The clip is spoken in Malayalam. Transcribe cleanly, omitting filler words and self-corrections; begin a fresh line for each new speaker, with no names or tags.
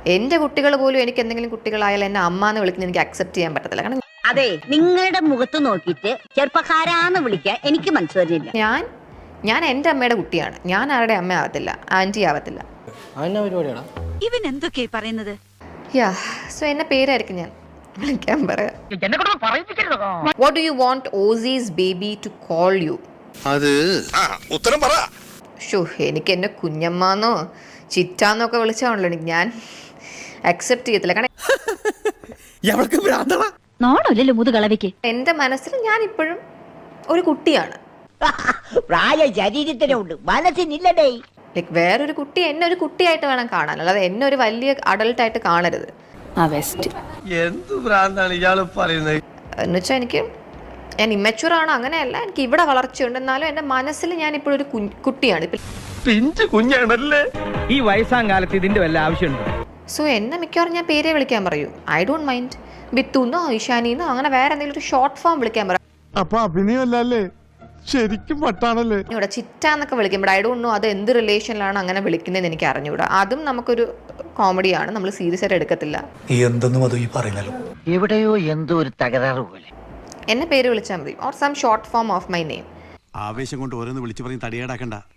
എൻ്റെ കുട്ടികൾ പോലും എനിക്ക് എന്തെങ്കിലും കുട്ടികളായാലും എന്നെ അമ്മ എന്ന് വിളിക്കുന്നത് എനിക്ക് അക്സെപ്റ്റ് ചെയ്യാൻ പറ്റത്തില്ല. കാരണം
അതെ, നിങ്ങളുടെ മുഖത്ത് നോക്കിയിട്ട് ചെറുപ്പക്കാരാന്ന് വിളിക്കാൻ എനിക്ക് മനസ്സ് വരുന്നില്ല.
ഞാൻ എൻ്റെ അമ്മയുടെ കുട്ടിയാണ്. ഞാൻ ആരുടെ അമ്മ ആവത്തില്ല, ആൻറ്റി ആവത്തില്ല.
ഇവൻ എന്തൊക്കെയാ പറയുന്നത്?
യാ, സോ എന്നെ പേരായിരിക്കും ഞാൻ വിളിക്കാൻ പറയാം. What do you want Aussies baby to call you?
അത് ഉത്തരം പറ.
ഷോ, എനിക്ക് എന്നെ കുഞ്ഞമ്മാന്നോ ചിറ്റാന്നൊക്കെ വിളിച്ചാണല്ലോ ഞാൻ അക്സെപ്റ്റ് ചെയ്യത്തില്ല. കാരണം
നോണല്ലോ മുതുകളവയ്ക്ക്.
എൻ്റെ മനസ്സിൽ ഞാൻ ഇപ്പോഴും ഒരു കുട്ടിയാണ്.
പ്രായ ശരീരത്തിനുണ്ട്, മനസ്സിനില്ലടേ.
ലൈക്ക് വേറൊരു കുട്ടി എന്നെ ഒരു കുട്ടിയായിട്ട് വേണം കാണാൻ, അല്ലാതെ എന്നെ ഒരു വലിയ അഡൾട്ടായിട്ട് കാണരുത്.
എന്ത് ഭ്രാന്താണ് ഇയാള് പറയുന്നത്?
എന്നുവെച്ചാൽ ഞാൻ ഇമ്മച്യൂർ ആണ്, അങ്ങനെയല്ല. എനിക്ക് ഇവിടെ വളർച്ചയുണ്ട്, എന്നാലും എൻ്റെ മനസ്സിൽ ഞാൻ ഇപ്പോഴും ഒരു കുട്ടിയാണ്.
പിഞ്ചു കുഞ്ഞാണല്ലേ.
ഈ വയസ്സാം കാലത്ത് ഇതിന്റെ വല്ല ആവശ്യമുണ്ടോ?
സോ എന്നെ മിക്കവാറും ഞാൻ പേരെ വിളിക്കാൻ പറയൂ. ഐ ഡോണ്ട് മൈൻഡ് ബിത്തുന്നോ ഇഷാനിന്നോ അങ്ങനെ വേറെ എന്തെങ്കിലും ഒരു ഷോർട്ട് ഫോം വിളിക്കാൻ പറയും.
അപ്പൊ അഭിനയമല്ലേ, ശരിക്കും വട്ടാണല്ലേ.
ഇവിടെ ചിറ്റാന്നൊക്കെ വിളിക്കും. ബട്ട് ഐ ഡോണ്ട് നോ അത് എന്ത് റിലേഷനിലാണ് അങ്ങനെ വിളിക്കുന്നതെന്ന് എനിക്ക് അറിഞ്ഞുകൂടാ. അതും നമുക്കൊരു കോമഡിയാണ്, നമ്മൾ സീരിയസ് ആയിട്ട് എടുക്കത്തില്ല.
എന്തെന്നും അത് ഈ പറയുന്നല്ലോ.
എവിടെയോ എന്തോ ഒരു തകരാറ് പോലെ.
എന്നെ പേര് വിളിച്ചാൽ മതി, or some short form of my name.
ആവേശം കൊണ്ട് ഓരോന്ന് വിളിച്ചു പറഞ്ഞ് തടിയേടാക്കണ്ട.